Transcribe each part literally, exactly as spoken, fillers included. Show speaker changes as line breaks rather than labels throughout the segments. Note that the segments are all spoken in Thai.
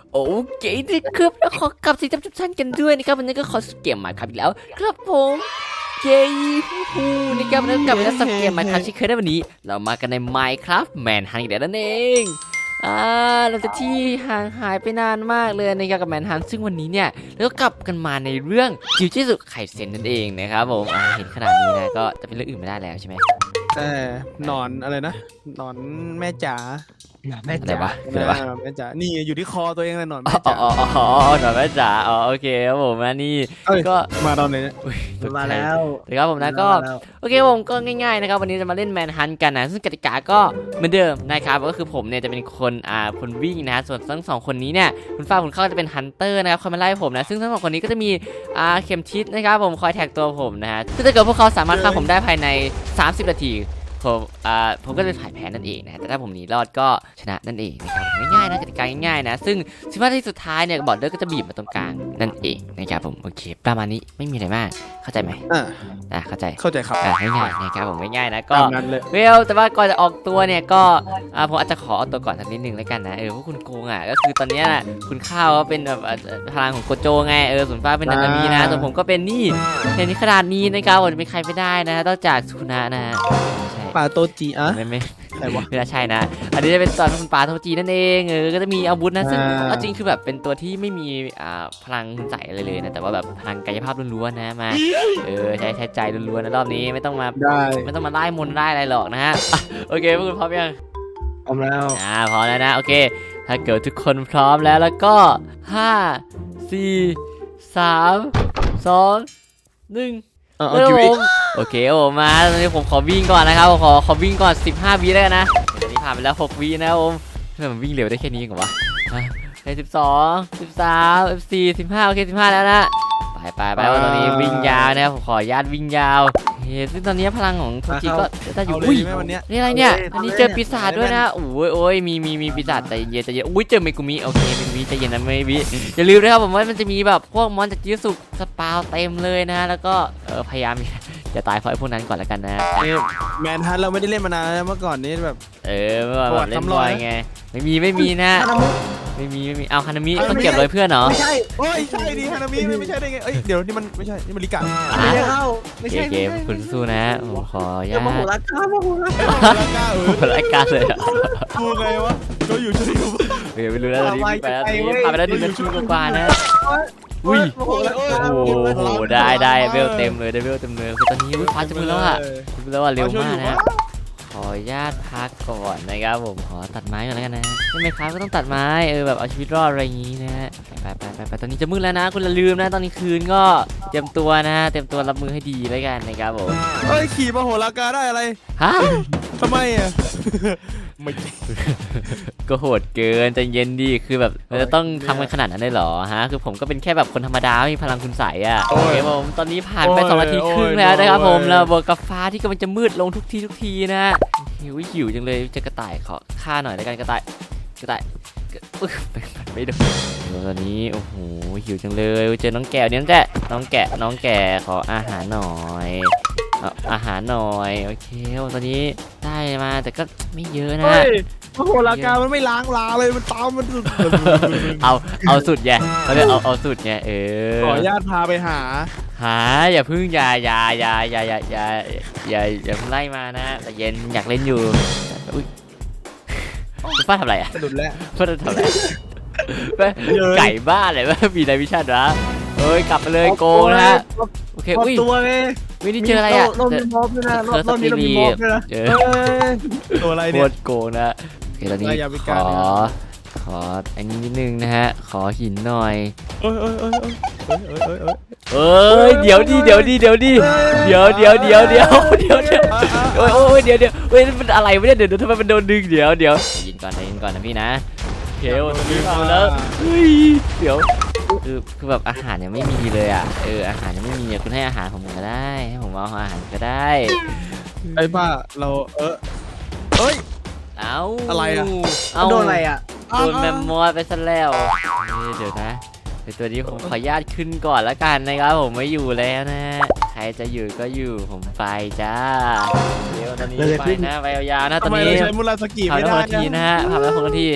โอเคนะครับแล้วขอกลับสีจำจุดสั้นกันด้วยนะครับวันนี้ก็ขอสเกมใหม่ครับอีกแล้วครับผมเย้ฮู้นะครับแล้วกลับมาแล้วสเกมใหม่ครับที่เคยได้วันนี้เรามากันใน Minecraft Manhunt อีกแล้วนั่นเองอ่าเราจะที่ห่างหายไปนานมากเลยนะครับกับ Manhunt ซึ่งวันนี้เนี่ยเราก็กลับกันมาในเรื่องจิวจิสุไคเซ็นนั่นเองนะครับผมอ่าเห็นขนาดนี้นะก็จะเป็นเรื่องอื่นไม่ได้แล้วใช่ไหม
แต่หนอนอะไรนะหนอนแม่จ๋า
แม่
อะไร
จ๋าว
ะคืออะไรวะ
แม่จ๋านี่อยู่ที่คอตัวเองเลยหนอน
อ๋
แม่
อ
จ๋า
อ๋ออ๋อหน่อยแม่จ๋าอ๋อโอเคครับผมนะนี่
เอ้ย
ก็
มาตอนไหนเนี่ย
อุ๊ยตกใจ
มาแล้ว
นะครับผมนะก็โอเคผมก็ง่ายๆนะครับวันนี้จะมาเล่นแมนฮันกันนะซึ่งกติกาก็เหมือนเดิมนะครับก็คือผมเนี่ยจะเป็นคนอ่าคนวิ่งนะฮะส่วนทั้งสองคนนี้เนี่ยคุณฟ้าคุณเข้าจะเป็นฮันเตอร์นะครับคอยมาไล่ผมนะซึ่งทั้งสองคนนี้ก็จะมีอ่าเข็มทิศนะครับผมคอยแท็กตัวผมนะฮะซึ่งถ้าเกิดพวกเขาสามารถฆ่าผมได้ภายในสามสิบนาทีผมอ่าผมก็จะถ่ายแพ้นั่นเองนะแต่ถ้าผมหนีรอดก็ชนะนั่นเองนะครับง่ายๆนะกติกาง่ายๆนะซึ่งสิบนาทีสุดท้ายเนี่ยบอร์ดเดอร์ก็จะบีบมาตรงกลางนั่นเองนะครับผมโอเคประมาณนี้ไม่มีอะไรมากเข้าใจไหม
อ่า
อ่ะเข้าใจ
เข้าใจครับ
อ่ะง่ายๆนะครับผมง่ายๆนะก็
ตามนั้นเลย
เวลแต่ว่าก่อนจะออกตัวเนี่ยก็อ่าผมอาจจะขอเอาตัวก่อนสักนิดนึงแล้วกันนะเออพวกคุณโกงอ่ะก็คือตอนเนี้ยน่ะคุณข้าวก็เป็นแบบอ่ะพลังของโกโจไงเออส่วนฟ้าเป็นนานามีนะส่วนผมก็เป็นนี่เห็นนี้ขนาดนี้นะครับผมจะเป็นใครไม่ได้นะนอกจากสุนะนะฮะใช่
ปลาโตจีอ่ะ
ไม่ไม่
ใครวะ
ไม่น่าใช่นะ อันนี้จะเป็นตอนคุณปาโทจีนั่นเองเออก็จะมีอาวุธนะซึ่ง
อ่า
เอาจริงคือแบบเป็นตัวที่ไม่มีอ่าพลังคุณใส่อะไรเลยนะแต่ว่าแบบพลังกายภาพล้วนๆนะมาเออใช้ใช้ใจล้วนๆนะรอบนี้ไม่ต้องมา
ได้
ไม่ต้องมาไล่มนต์ไล่อะไรหรอกนะฮะอ่ะโอเคพวกคุณพร้อมยัง
พร้อมแล้ว
อ่าพร้อมแล้วนะโอเค ถ้าเกิดทุกคนพร้อมแล้วแล้วก็ห้าสี่สามสองหนึ่ง
เอา
เอ
เอา
อ
คิว
ผ
อีก
มโอเคผมมาตอนนี้ผมขอวิ่งก่อนนะครับผมขอขอวิ่งก่อนสิบห้าวิแล้วกันนะตอนนี้ผ่านไปแล้วหกวินะครับผมทำไมมันวิ่งเร็วได้แค่นี้เหรอวะเฮ้ยสิบสองสิบสามสิบสี่สิบห้าโอเคสิบห้าแล้วนะไปไปไปว่าตอนนี้วิ่งยาวนะครับผมขออนุญาตวิ่งยาวเฮ้ยซึ่งตอนนี้พลังของโทจิก็จะอยู่
เอาเล
อุ้
ย
ย
ไหมวันเนี้ย
นี่อะไรเนี่ยอันนี้เจอปีศาจด้วยนะโอ้ยโอ้ยมีมีมีปีศาจใจเย็นใจเย็นอุ้ยเจอเมกุมิโอเคเมกุมิใจเย็นนะเมกุมิอย่าลืมนะครับผมว่ามันจะมีแบบพวกมอนจากจิสุสปาวเต็มเลยนะแล้วก็เออพยายามจะตายเพราะไอ้พวกนั้นก่อนแล้วกันนะ
นี่แมนฮันเราไม่ได้เล่นมานานแล้วเมื่อก่อนนี้แบบ
เออเมื่อแบบเล่นบอยไงไม่มีไม่มีนะ
ฮานามุ
ไม่มีไม่มีเอาฮานามิต้องเก็บเลยเพื่อนเนาะ
ไม่ใช่
โอ้ยใช่ดิฮานามิไม่ใช่ได้ไงเอ้ยเดี๋ยวนี่มันไม่ใช่นี่มันลิกะ
ไม่ใช่เข้าไม่
เก
ใช่
เกมคุณสู้นะผมขออนุ
เดี๋
ญา
ยวมาโห
ต
ราคามาโหราคา
ลิกะเอ
โอ้
อ
โหรายการเลยอะ
ดูไงวะเราอยู่ช่วยอยู่
เดี๋ยวไม่รู้แล้วตอนนี้ไปแล้วตอนนี้ผ่านไปแล้วหนึ่งนาทีกว่าๆนะอุ้ย
โอ้โหแล้ว
โอ้โหได้ได้เวลเต็มเลยได้เวลเต็มเลยคือตอนนี้อุ้ยฟ้าจะมือแล้วอะจะมือแล้วอะเร็วมากนะขออนุญาตพักก่อนนะครับผมขอตัดไม้ก่อนแล้วกันนะใช่ไหมครับก็ต้องตัดไม้เออแบบเอาชีวิตรอดอะไรอย่างงี้นะฮะไปไปไปไปตอนนี้จะมืดแล้วนะคุณอย่าลืมนะตอนนี้คืนก็เตรียมตัวนะเตรียมตัวรับมือให้ดีแล้วกันนะครับผม
เอ้ยขี่มาโหรากาได้อะไร
ฮะ
ทำไมอ่ะไม่
ก็โหดเกินใจเย็นดีคือแบบเราจะต้องทำกันขนาดนั้นได้เหรอฮะคือผมก็เป็นแค่แบบคนธรรมดาไม่มีพลังคุณใสอ่ะโอเคผมตอนนี้ผ่านไปสองนาทีครึ่งแล้วนะครับผมแล้วบวกกับฟ้าที่กำลังจะมืดลงทุกทีทุกทีนะหิวหิวจังเลยจะกระต่ายขอฆ่าหน่อยแล้วกันกระต่ายกระต่ายอึ๊กไม่โดนตอนนี้โอ้โหหิวจังเลยเจอน้องแกะเนี่ยน้องแกะน้องแกะน้องแกะขออาหารหน่อยเอาอาหารหน่อยโอเคตอนนี้ได้มาแต่ก็ไม่เยอะนะ
เฮ้ยมาโหรากามันไม่ล้างลาเลยมันตามมันสุด
เอาเอาสุดไงเขาเรียกเอาเอาสุดไงเออ
ขออนุญาตพาไปหา
หาอย่าพึ่งอย่าอย่าอย่าอย่าอย่าอย่าอย่าอย่าเพิ่งไล่มานะแต่เย็นอยากเล่นอยู่อุ้ยคุณป้าทำอะไรอ่ะ
สะดุดแล้ว
ป้าทำอะไรป้าไก่บ้าเลยว่ามีนายวิชาดวะเอ้ยกลับไปเลยโกงนะฮะโอเค
พอ
อุ้ย
ตัวไง
วินี่เจออะไรอ่ะ
เรามีมอบด้วยนะรอบนี้เรามีมอบด้วยนะ
เจอ
เอ้ยตัวอะไร
โค
เนี่ย
ตรโกงนะโอเคตอนนี้
อย่าไป
ข
กล้า
อ
เลยนะ
ขออันนี้นิดนึงนะฮะขอหินหน่อย
เอ้ยเอ้ยเอ้ยเอ้ยเอ้ยเอ้ยเอ้ย
เอ้ยเดี๋ยวดิเดี๋ยวดิเดี๋ยวดิเดี๋ยวเดี๋ยวเดี๋ยวเดี๋ยวเดี๋ยวเดี๋ยวโอ้ยโอ้ยเดี๋ยวเดี๋ยวเฮ้ยมันอะไรวะเนี่ยเดี๋ยวเดี๋ยวทำไมมันโดนดึงเดี๋ยวเดี๋ยวยินก่อนนะยินก่อนนะพี่นะเดี๋ยวตอนนี้มาแล้วเฮ้ยเดี๋ยวคือคือแบบอาหารยังไม่มีเลยอ่ะเอออาหารยังไม่มีอ่ะคุณให้อาหารผมก็ได้ให้ผมเอาอาหารก็ได้
ไอ้บ้าเราเออเอ้ย
เอา
อะไรอะ
เอา
โดนอะไรอ่ะ
โดนแมมมอสไปซะแล้วเดี๋ยวนะเดี๋ยวตัวนี้ผมขออนุญาตขึ้นก่อนละกันนะครับผมไม่อยู่แล้วนะใครจะอยู่ก็อยู่ผมไปจ้าเดี๋ยวตอนนี้ไปนะไปยาวๆนะต
ทำ
ตอน
ไม
นี้
เราใช้มุราสกิ
ผ่าน
ไม่
แล้วห
ได้
กนาทีนะฮะผ่านแล้วหกนาทีโอ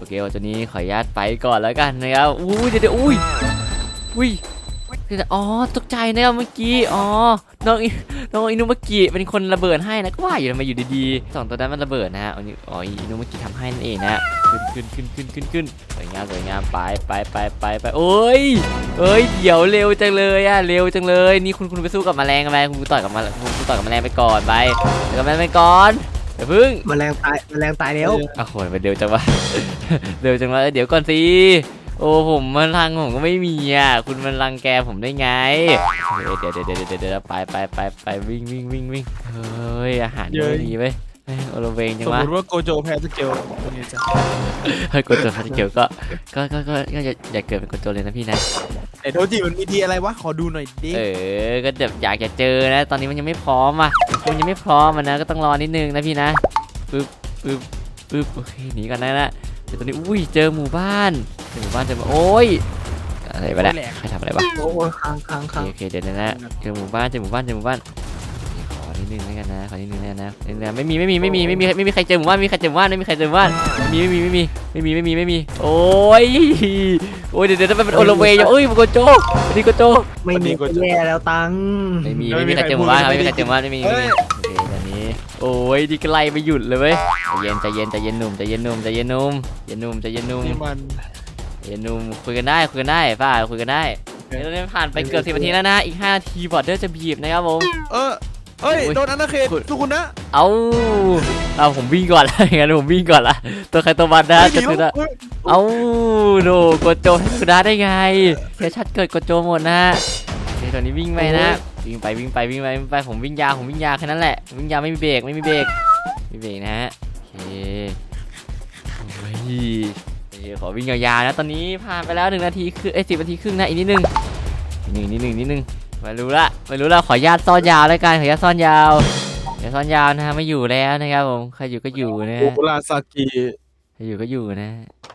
เควันนี้ขออนุญาตไปก่อนแล้วกันนะครับอุ้ยเดี๋ยวเดี๋ยวอุ้ยอุ้ยอ๋อตกใจนะครับเมื่อกี้อ๋อน้องน้องอินุเมื่อกี้เป็นคนระเบิดให้นะก็ว่าอยู่ทำไมอยู่ดีๆสองตัวนั้นมันระเบิดนะฮะอันนี้อ๋ออินุเมื่อกี้ทำให้นั่นเองนะขึ้นขึ้นขึ้นขึ้นขึ้นขึ้นสวยงามสวยงามไปไปไปไปไปโอ้ยเอ้ยเดี๋ยวเร็วจังเลยอะเร็วจังเลยนี่คุณคุณไปสู้กับแมลงอะไรคุณต่อยกับแมลงคุณต่อยกับแมลงไปก่อนไปต่อยกับแมลงไปก่อนเดี๋ยวพึ่ง
แมลงตายแมลงตายแล้ว
อ้าวโหยมันเร็วจังวะ เร็วจังวะเดี๋ยวก่อนสิโอ้ผมมันรังผมก็ไม่มีอ่ะคุณมันรังแกผมได้ไงเดี๋ยวเดี๋ยวเดี๋ยวเดี๋ยวเดี๋ยวไปไปไปไปวิ่งวิ่งวิ่งวิ่งเฮ้ยอาหารไม่มีไหมโอโลเวงจั
ส
ง
ม
วะ
มติว่าโกโจแพ้สเกลเป็นไงจ๊ะ
เฮ้ยกดตัวพันเกียวก็ก็ก็ก็ก็อย่าอย่าเกิดเป็นกดตัวเลยนะพี่นะ
ไอ้โทจิมันมีดีอะไรวะขอดูหน่อยดิ
เออก็แบบอยากจะเจอนะ ตอนนี้มันยังไม่พร้อมอ่ะมันยังไม่พร้อมมันนะก็ต้องรอนิดนึงนะพี่นะปึ๊บปึ๊บปึ๊บโอเคหนีกันนะนะเดี๋ยวตอนนี้อุ้ยเจอหมู่บ้านเจอหมู่บ้านเจอโอ้ยอะไรวะเนี่ยใครทำอะไรวะ
โอ้ยค้างค้าง
โอ
ค้าง
เคโอเคเดี๋ยวนะเจอหมู่บ้านเจอหมู่บ้านเจอหมู่บ้านขอนิดนึงแล้วกันนะขอนิดนึงแล้วนะไม่มีไม่มีไม่มีไม่มีไม่มีใครเจอหมู่บ้านไม่มีใครเจอหมู่บ้านไม่มีใครเจอหมู่บ้านไม่มีไม่มีไม่มีไม่มีไม่มีไม่มีโอ้ยโอ้ยเดี๋ยวเดี๋ยวมันเป็นโอโลเวย์เอ้ยมันโกโจนี่โกโจ
ไม่มีแย่แล้วตัง
ไม่มีไม่มีใครเจอหมู่บ้านครับไม่มีใครเจอหมู่บ้านไม่มีไม่มีโอเคตอนนี้โอ้ยดีก็ไล่ไม่หยุดเลยเว้ยใจเย็นใจเย็นใจเย็นหนุ่มใจเย็นหนุ่มใจเย็นหนุ่มใจเย็นหนุ่มใจเย็นหนุ่ม
นี่มัน
ใจเย็นหนุ่มคุยกันได้คุยกันได้ป้าคุยกันได้เดี๋ยวเราผ่านไปเกือบสิบนาทีแล้วนะอีกห้านาทีบอร์ดเดอร์จะบีบนะครับผม
เออเฮ้ยโดนอาณาเขตทุกคนนะ
เอาเอาผมวิ่งก่อนละงั้นผมวิ่งก่อนละตัวใครตัวมันนะจะถือนะเอาโนกดโจให้สุดาได้ไงเสียชัดเกิดกดโจหมดนะเดี๋ยวตอนนี้วิ่งไปนะวิ่งไปวิ่งไปวิ่งไปวิ่งไปผมวิ่งยาวผมวิ่งยาวแค่นั้นแหละวิ่งยาวไม่มีเบรกไม่มีเบรกไม่มีเบรกนะฮะโอเคโอ้ยขอวิ่งยาวๆนะตอนนี้ผ่านไปแล้วหนึ่งนาทีคือไอ้สิบนาทีครึ่งนะอีกนิดนึงนิดนึงนิดนึงนิดนึงไม่รู้ละไม่รู้ละขอญาตซ่อนยาวแล้วกันขอญาตซ่อนยาวเดี๋ยวซ่อนยาวนะฮะไม่อยู่แล้วนะครับผมใครอยู่ก็อยู่นะ
โอราซากิ
ใครอยู่ก็อยู่นะ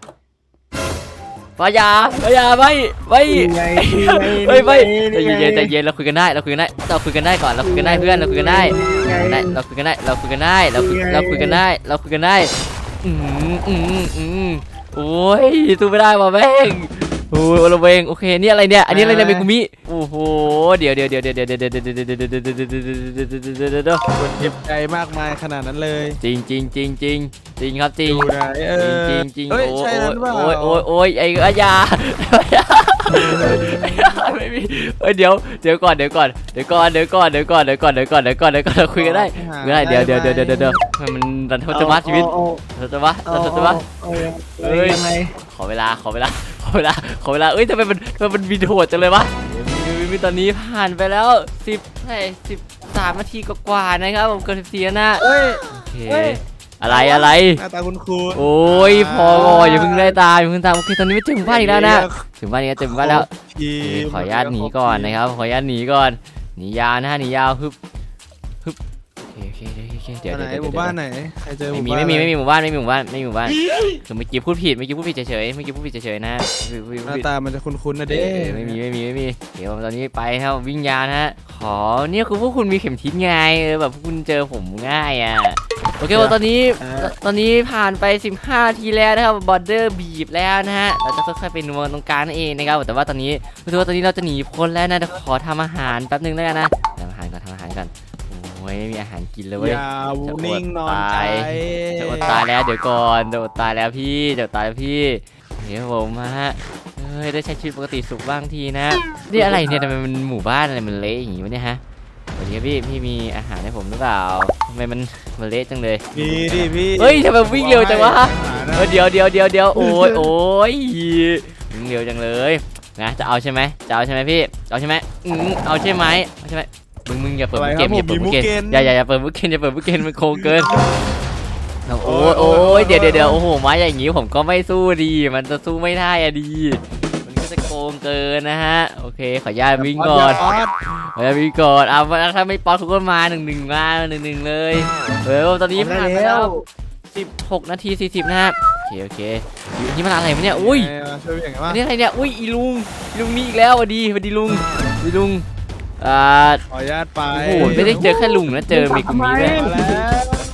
ปายาปายาไม่ไม่
ไง
ไม่ไม่ใจเย็นใจเย็นเราคุยกันได้เราคุยกันได้เราคุยกันได้ก่อนเราคุยกันได้เพื่อนเราคุยกันได้ได้เราคุยกันได้เราคุยกันได้เราคุยเราคุยกันได้เราคุยกันได้อืมอืมอืมโอ้ยสู้ไม่ได้ว่ะแม่งโอ้ยโอลเวงโอเคนี่อะไรเนี่ยอันนี้อะไรเนี่ยเมกุมิโอ้โหเดี๋ยวเดี๋ยวเดี๋ยวเดี๋ยวเดี๋ยวเดี๋ยวเดี๋ยวเดี๋ยวเดี๋ยวเดี๋ยวเดี๋ยวเดี๋ยวเดี๋ยวเดี๋ยว
คนเจ็บใจมากมายขนาดนั้นเลย
จริงจริงจริงจริงจริงครับจริง
ดูไหนเอ
จริ
อง
จริง
เฮ้ย
โอ้
ใช่นั้นเปล่า
โอ้ยโอ้ยโอ้ยไอ้อายาไม่มีเฮ้ยเดี๋ยวเดี๋ยวก่อนเดี๋ยวก่อนเดี๋ยวก่อนเดี๋ยวก่อนเดี๋ยวก่อนเดี๋ยวก่อนเดี๋ยวก่อนเดี๋ยวก่อนเดี๋ยวก่อนเราคุยกันได้คุยกันได้เดี๋ยวเดี๋ยวเดี๋ยวเดี๋ยวเดี๋ยวเดี๋ยวมันรันทศวรรษชีวิตรันทศวรรษรันทศวรรษ
เอ้ยยังไง
ขอเวลาขอเวลาขอเวลาขอเวลาเอ้ยทำไมมันทำไมมันมีโหดจังเลยวะมีตอนนี้ผ่านไปแล้วสิบเท่าไหร่สิบสามนาทีกว่าๆนะครับผมเกินสิบสี่นะ
เฮ้ย
โอเคอะไรอะไร
หน้าตาคุณครู
โอ้ยพออย่าเพิ่งได้ตามอย่าเพิ่งตามโอเคตอนนี้ไม่ถึงบ้านอีกแล้วนะถึงบ้านนี้ถึงบ้านแล้วขออนุญาตหนีก่อนนะครับขออนุญาตหนีก่อนหนียาวนะหนียาวฮึบฮึบโอเคโอเคโอเคเดี๋ยว
ไหน
เดี๋ยว
หมู่บ้านไหนใครเจอห
ไม่
มู่
มี
บ้าน
ไม่มีไม่มีหมู่บ้านไม่มีหมู่บ้านไม่มีหมู่บ้านคือเมื่อกี้พูดผิดเมื่อกี้พูดผิดเฉยๆเมื่อกี้พูดผิดเฉยๆนะ
หน้าตามันจะคุ้นๆนะ
เอ
เด้
อไม่มีไม่มีไม่มีเดี๋ยวตอนนี้ไปครับวิ่งยาวนะฮะขอเนี่ยคือพวกคุณมีเข็มทิศไงเออแบบพวกคุณเจอผมง่ายอ่ะโอเคตอนนี้ตอนนี้ผ่านไปสิบห้าทีแล้วนะครับบอร์เดอร์บีบแล้วนะฮะเราจะค่อยๆไปนัวตรงกลางนั่นเองนะครับแต่ว่าตอนนี้รู้สึกว่าตอนนี้เราจะหนีพ้นแล้วนะขอทำอาหารแป๊บนึงแล้วกันนะทำอาหารก่อนทำอาหารก่อนโอ้ยไม่มีอาหารกินเลยเว้ย
อย่านิ่งนอนใจ
จะอดตายแล้วเดี๋ยวก่อนจะอดตายแล้วพี่จะอดตายแล้วพี่เดี๋ยวผมมาฮะเฮ้ยได้ใช้ชีวิตปกติสุขบ้างทีนะนี่อะไรเนี่ยทำไมมันหมู่บ้านอะไรมันเละอย่างงี้วะเนี่ยฮะสวัสดีครับพี่พี่มีอาหารให้ผมหรือเปล่าทำไมมันมันเละจังเลย
มีดิพี่
เฮ้ยทำไมวิ่งเร็วจังวะเออเดี๋ยวเดี๋ยวเดี๋ยวเดี๋ยวโอ้ยโอ้ยวิ่งเร็วจังเลยนะจะเอาใช่ไหมจะเอาใช่ไหมพี่เอาใช่ไหมอืมเอาใช่ไหมเอาใช่ไหมมึงมึงอย่าเปิดมุกเกมอย่าเปิดมุกเกมอย่าอย่าอย่าเปิดมุกเกมอย่าเปิดมุกเกมมันโคงเกินโอ้ยโอ้ยเดี๋ยวเดี๋ยวเดี๋ยวโอ้โหไม้อย่างงี้ผมก็ไม่สู้ดีมันจะสู้ไม่ได้อะดีมันก็จะโกงเกินนะฮะโอเคขออนุญาตวิ่งก่อนขออนุญาตวิ่งก่อนเอาถ้าไม่ป๊อตทุกคนมาหนึ่งหนึ่งมาหนึ่งหนึ่งเลยเออตอนนี้ผ่านไปแล้วสิบหกนาทีสี่สิบนะครับโอเคโอเคนี่มันอะไรวะเนี่ยอุ้ย
ช่วยอย่างไรบ้าง
นี่อะไรเนี่ยอุ้ยอีลุงอีลุงนี่อีกแล้วสวัสดีสวัสดีลุงสวัสดีลุงอ่า
ขออนุญาตไป
โอ้โหไม่ได้เจอแค่ลุงนะเจอเมกุมิด้วย
มาแล้ว
เจ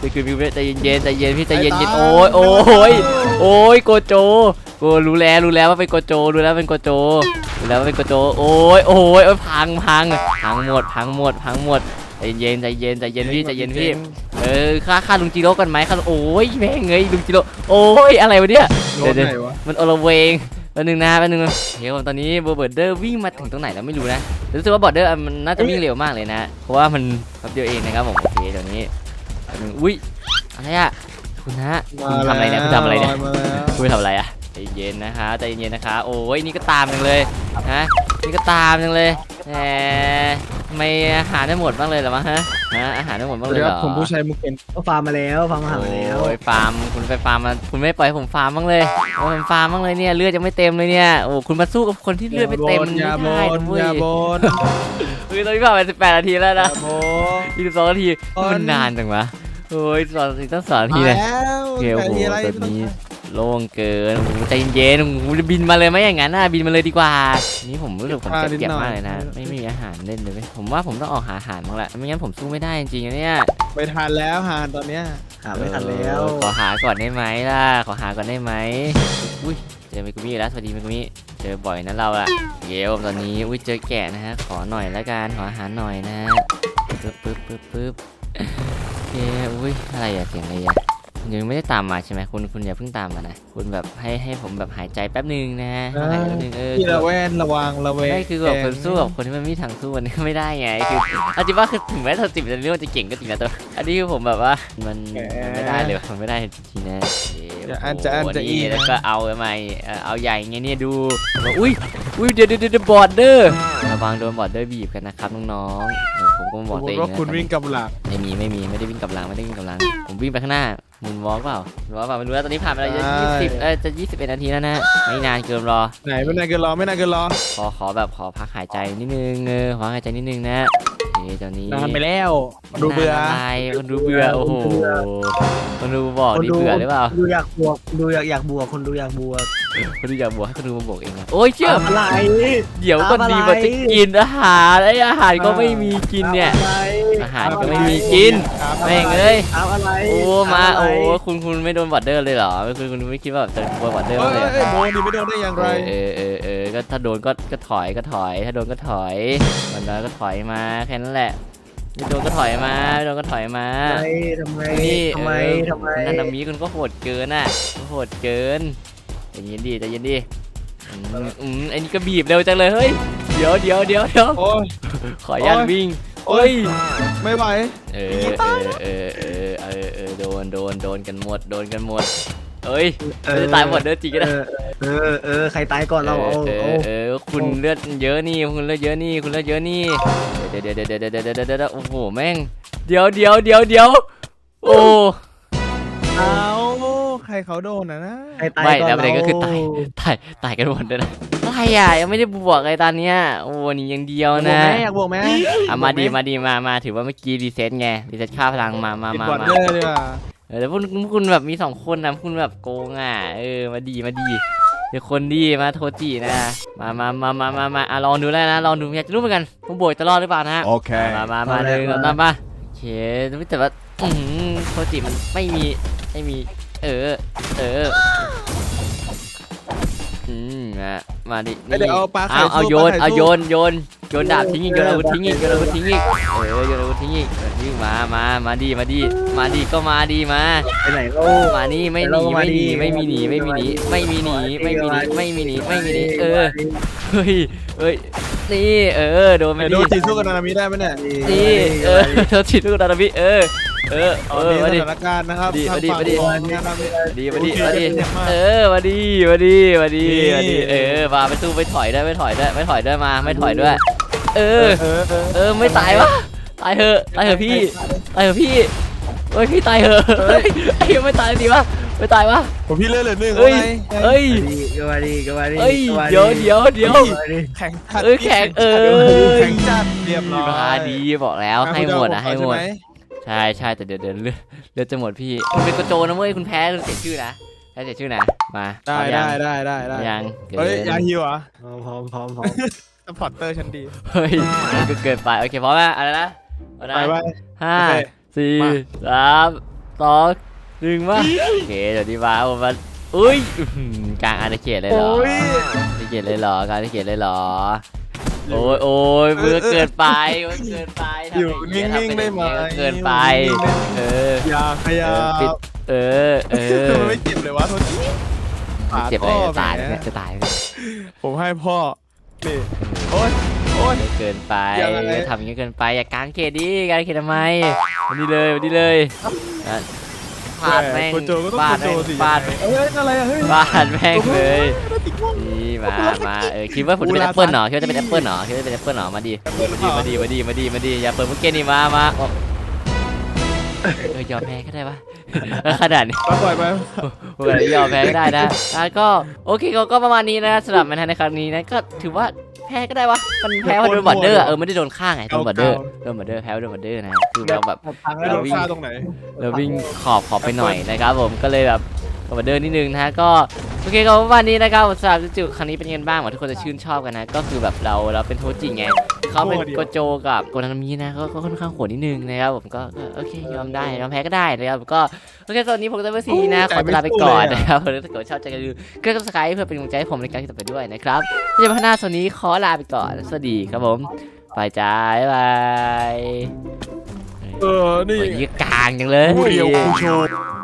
จะคืนพี่ใจเย็นใจเย็นพี่ใจเย็นเย็นโอ้ยโอ้ยโอ้ยโกโจโกรู้แล้วรู้แล้วว่าเป็นโกโจรู้แล้วเป็นโกโจรู้แล้วว่าเป็นโกโจโอ้ยโอ้ยโอ้ยพังพังพังหมดพังหมดพังหมดใจเย็นใจเย็นใจเย็นพี่ใจเย็นพี่เออฆ่าฆ่าลุงจิโร่กันไหมฆ่าโอ้ยแม่งเงยลุงจิโร่โอ้ยอะไรวะเนี่ย
โด
เดี๋ย
น
วเดี๋ยว
ไหนวะ
มันโอละเวงแป๊บนึงนะแป๊บนึงเฮ้ยตอนนี้เบอร์เบิร์ดเดอร์วิ่งมาถึงตรงไหนแล้วไม่รู้นะรู้สึกว่าบอร์เดอร์มันน่าจะวิ่งเร็วมากเลยนะเพราะว่ามันแป๊บเดียวเองนะครับผมโอเคเดี๋ยวนี้แป๊บนึงอุ้ยอะไรอะคุณฮะคุณทำอะไรเนี่ยคุณทำอะไรเนี่ย
มาแล้ว
คุณทำอะไรอะใจเย็นนะคะใจเย็นนะคะโอ้ยนี่ก็ตามจังเลยฮะนี่ก็ตามจังเลยแหมทำไมอาหารได้หมดบ้างเลยเหรอวะฮะฮะอาหารได้หมดบ้างเลย
เดี๋ยว
เหรอ
ผมผู้ชายมุกเป็น
ก็ฟาร์มมาแล้วฟาร์มอาหารมาแล้ว
โอ้ยฟาร์มคุณไปฟาร์มมาคุณไม่ปล่อยให้ผมฟาร์มบ้างเลยโอ้ยผมฟาร์มบ้างเลยเนี่ยเลือดยังไม่เต็มเลยเนี่ยโอ้คุณมาสู้กับคนที่เลือดไม่เต็มมัน
อย่า
ไม่
บ
ได้
น
นะเว้ย
อย่าบน
เฮ้ยตอนนี้ผ่านไปสิบแปดนาทีแล้ว
อย่า
นะ
บน
ยี่สิบสองนาที
บน
มันนานจังวะโอ้ยสองนาทีตั้งสองนาทีเลย
มาแล้ว
โอเคโอ้โห
แต่ทีอะไร
ตอนนี้โล่งเกินโอ้โหใจเย็นๆโอ้โหจะบินมาเลยไหมอย่างนั้นน่ะบินมาเลยดีกว่านี่ผมรู้สึกผมเจ็บๆมากเลยนะไม่มีอาหารเล่นเลยเว้ยผมว่าผมต้องออกหาอาหารบ้างแหละไม่งั้นผมสู้ไม่ได้จริงๆนะเนี่ย
ไปทานแล้วหานตอนเนี้ย
หาไม่ทันแล้ว
เออขอหาก่อนได้ไหมล่ะขอหาก่อนได้ไหมอุ้ยเจอเมกุมิแล้วสวัสดีเมกุมิเจอบ่อยนะเราอะเดี๋ยวตอนนี้อุ้ยเจอแกะนะฮะขอหน่อยละกันขออาหารหน่อยนะปึ๊บปึ๊บปึ๊บปึ๊บโอเคอุ้ยอะไรอะเสียงอะไรอะคุณยังไม่ได้ตามมาใช่ไหมคุณคุณอย่าเพิ่งตามมานะคุณแบบให้ให้ผมแบบหายใจแป๊บนึงนะหายใจแป๊บนึงเออ
พี่ระแวงระวังระแวง
ไม่คือแบบคนสู้กับคนที่มันไม่มีทางสู้มันก็ไม่ได้ไงคือเอาจริงว่าคือถึงแม้เราจิบจะเรื่องจะเก่งก็จริงนะแต่อันนี้คือผมแบบว่ามันมันไม่ได้เลยมันไม่ได้จริงๆนะ
จะอันจะอันจะอี
นี่
นะ
แล้วก็เอาทำไมเอ่อเอาใหญ่ไงเนี่ยดูอุ้ยอุ้ยเดี๋ยวเดี๋ยวเดี๋ยวบอร์ดเดอร์ระวังโดนบอร์ดเดอร์บีบกันนะครับน้องๆเออผมก็มา
ส
บอก
มม
ตัวเอ
ติ
ง
ว่า
นะ
คุณวิ่งกับหลัก
ไม่มีไม่มีไม่ได้วิ่งกับหลังไม่ได้วิ่งกับหลังผมวิ่งไปข้างหน้ามุนวอล์กเปล่ามุนวอล์กเปล่าไม่รู้แล้วตอนนี้ผ่านไปแล้วจะยี่สิบเออจะยี่สิบเอ็ดนาทีแล้วนะไม่นานเกินรอ
ไหนไม่นานเกินรอไม่นานเกินรอ
ขอขอแบบขอพักหายใจนิดนึงเออขอหายใจนิดนึงนะโอเคตอนนี้
นานไปแล้วดูเบื่อ
นานอะไรคนดูเบื่อโอ้โหคนดูบอก
คน
นี่
ดู
เบื่อหรือเปล่า
ดูอยากบวกดูอยากอยากบวกคนดูอยากบวก
คนดูอยากบวกให้คนดูมาบอกเองนะโอ้ยเชื่อ
ตามอะไร
เดี๋ยวก็ดี
ตามอะไร
มันจะกินอาหารไอ้อาหารก็ไม่มีกินเนี่ย
ตามอะไร
อาหารก็ไม่มีกิน
ครับ
แม่งเอ้ย
ตามอะไร
โอ้มา
ตะไร
โอ้คุณคุณไม่โดนบอดเดอร์เลยเหรอไม่คุณคุณไม่คิดว่าแบบจะโดนบอดเดอร์
เอ้
บ้าง
ย
เลยเหรอ
เอ้ยโดนดิไม่โดนได้อย่างไร
เออเออเออก็ถ้าโดนก็ก็ถอยก็ถอย ถ้าโดนก็ถอยมันแล้วก็ถอยมาแค่นั้นแหละไม่โดนก็ถอยมาไม่โดนก็ถอยมา
ทำไมทำไม
นี่
ทำไม
เออ
ทำไม
คุณนันนามิคุณก็โหดเกินอ่ะโหดเกินใจเย็นดีใจเย็นดีอืมอืมไอ้นี่ก็บีบเร็วจังเลยเฮ้ยเดี๋ยวเดี๋ยวเดี๋ยวเดี๋ยว
โอ้ย
ขออนุญาต
โอ้ย
วิ่ง
โอ้
เฮ้
ย
ย
ไม่ไหว
เออเออเออเออเออเออโดนโดนโดนกันหมดโดนกันหมดเอ้ย
เออ
จะตายหมดเด้อจริงก็ได้
เออเออเออใครตายก่อนเราเอา
เอ
เอา
อเออคุณเลือดเยอะนี่คุณเลือดเยอะนี่คุณเลือดเยอะนี่เดี๋ยวเดี๋ยวเดี๋ยวเดี๋ยวเดี๋ยวเดี๋ยวเดี๋ยวโอ้โหแม่งเดี๋ยวเดี๋ยวเดี๋ยวเดี๋ยวโอ้
เอาใครเขาโดนนะนะ
ใครตาย
ไม่
ก่อน
แล้วประเด็นก็คือ
เรา
ตายตายตายกันหมดเลยนะอะไรอ่ะยังไม่ได้บวกเลยตอนเนี้ยโอ้นี่ยังเดียว
บวก
นะ
ไหมอยากบวกไหม
อ่ะมาดีมาดีมามาถือว่าเมื่อกี้รีเซ็ตไงรีเซ็ตค่าพลังมามา
ติด
มา
บอด
มา
เดอร์ดีกว่า
เออแล้วพวกพวกคุณแบบมีสองคนนะพวกคุณแบบโกงอ่ะเออมาดีมาดีเดี๋ยวคนดีมาโทจินะมามามามามามาอ่ะลองดูแล้วนะลองดูอยากจะรู้เหมือนกันผมโบยจะรอดหรือเปล่านะฮะ
Okay.
มามามาหนึ่งสองสามมาโอเคแต่ว่าอืมโทจิมันไม่มีไม่มีเออเอออืมมามาดิ
เดี๋ยวเอาปลาไข่
เอาเอา
สู้
โยน
ปลาไข่
เอา
สู้
โยนโยนโยนดาบทิ้งอีกโยนอาวุธทิ้งอีกโยนอาวุธทิ้งอีกเออโยนอาวุธทิ้งอีกโยนทิ้งมามามาดีมาดีมาดีก็มาดีมา
ไปไหนเรา
มานี่ไม่หนีไม่หนีไม่มีหนีไม่มีหนีไม่มีหนีไม่มีหนีไม่มีหนีไม่มีหนีเออเฮ้ยเฮ้ยนี่เออโดนไป
เดี๋ยวโด
ดิ
นจีสู้กับนานามิได้ไหมเนี่ย
นี่เออโดนฉีดลูกดาราบิเออเออ
ต
เอ
อน
อ
นี้
มา
ส
ดิ
ถานการณ์นะครับ
ดี
ทาง
มาดิ
ฝั่ง
มาดิ
ของนานามิ
ดีมาดิ
โอเค
มาดิ
เจ็บมาก
เออมาดิมาดิมาดิ
นี่
มาดิเออมาไปสู้ไปถอยได้ไม่ถอยได้ไม่ถอยได้มาไม่ถอยด้วย เอ
เอ
อ
อเออเออ
เออไม่ตายวะตายเหอะตายเหอะพี่ตายเหอะพี่เฮ้ยพี่ตายเหอะเฮ้ยไอ้ยังไม่ตายดีวะไม่ตายวะ
ผมพี่เลือดเหลือหนึ่ง
เฮ้ย
ว่าไง
เฮ้ย
ก็มาดีก็มาดี
เฮ้ย
ก็มา
เดี๋ยวเดี๋ยวเดี๋ยว
แข็งจัด
เออแข็งเออ
แข็งจัดเรียบร้อย
มาดีบอกแล้วให้หมดอะให้หมด
ใช่ไ
ใช่ใช่แต่เดี๋ยวเดี๋ยวเลือดเลือดจะหมดพี่คุณเป็นกระโจนนะเว้ยคุณแพ้คุณเสียชื่อนะแพ้เสียชื่อนะมา
ได้
พร้อมยัง
ได้ได้ได้ได้
ยังเกิน
เฮ้ยยาฮิวเหรอ
พร้อมพร้อมพร้อม
สปอร์ตเตอร์ชั้นดี
เฮ้ยมันก็เกินไปโอเคพร้อมไหมอะไรนะเอานะ
ไปไป
ห้า
โอเค
สี่
มา
สามสสองหนึ่งมาโอเคเดี๋ยวดีมาผมมาอุ้ยอื้อหือกลางอาณาเขตเลยเหรอ
โอ้ย
อาณาเขตเลยเหรอกลางอาณาเขตเลยเหรอโอ้ยโอ้ยมือเกินไปมือเกินไปทำ
อยู่
างนี้
นิ่งๆได้ไหม
ทำเป็นอย่างนี้เกินไปเออ
อย่าขยับ
ปิด เออเออ
มันไม่เจ็บเลยวะโทษที
เจ็บเลยจะตาย
แหม
เนี่ยจะตายเนี่ย
ผมให้พ่อนี่โอ้ยโอ้ย
เกินไป
ยังไง
ทำอย่างนี้เกินไปอย่ากางเขตดิกางเขตทำไมวันนี้เลยวันนี้เลยอ่ะฟาดแม่ง
โกโจก็ต้อง
ฟา
โก
ด
โจ
แม่ง
สิ
ฟาด
เอ้ยอะไรอะเฮ้ย
ฟาดแม่งเลยนี่มามาเออคิดว่าผมจะเป็นแอปเปิลเหรอคิดว่าจะเป็นแอปเปิลเหรอคิดว่าจะเป็นแอปเปิลเหรอมาดิมาดิมาดิมาดิมาดิอย่าเปิดมุกเกนนี่มามาออกเออยอมแพ้ก็ได้ปะขนาดนี้
ปล่อยไป
เผื่อยอมแพ้ก็ได้นะอ่ะก็โอเคก็ก็ประมาณนี้นะสำหรับแมนทันในครั้งนี้นะก็ถือว่าแพ้ก็ได้วะมันแพ้เพราะโดนบอดเดอร์อะเออไม่ได้โดนฆ่าไงโดนบอดเดอร์โดนบอดเดอร์แพ้เพราะโดนบอดเดอร์นะคือเราแบบ
ทางให้โดนฆ่าตรงไหน
เราวิ่งขอบขอบไปหน่อยนะครับผมก็เลยแบบบอดเดอร์นิดนึงนะฮะก็โอเคก็ประมาณนี้นะครับสำหรับจุดครั้งนี้เป็นยังไงบ้างหวังทุกคนจะชื่นชอบกันนะก็คือแบบเราเราเป็นโทจิไงเขาเป็นโกโจกับโกนามินะก็ก็ค่อนข้างโหดนิดนึงนะครับผมก็ก็โอเคยอมได้ยอมแพ้ก็ได้นะครับก็โอเคตอนนี้ผมจะไปซีนะขอเวลาไปก่อนนะครับถ้าเกิดชอบใจกันดูก็กดซับสไครป์เพื่อเป็นกำลังใจให้ผมในการที่ต่อไปด้วยนะครับที่จะพัฒนาโซนนี้ขอลาไปก่อนสวัสดีครับผมไปจ้าบ๊ายบาย
เออนี่
โอ้ยกลางจังเลย
ผู้เดียวผู้โชว์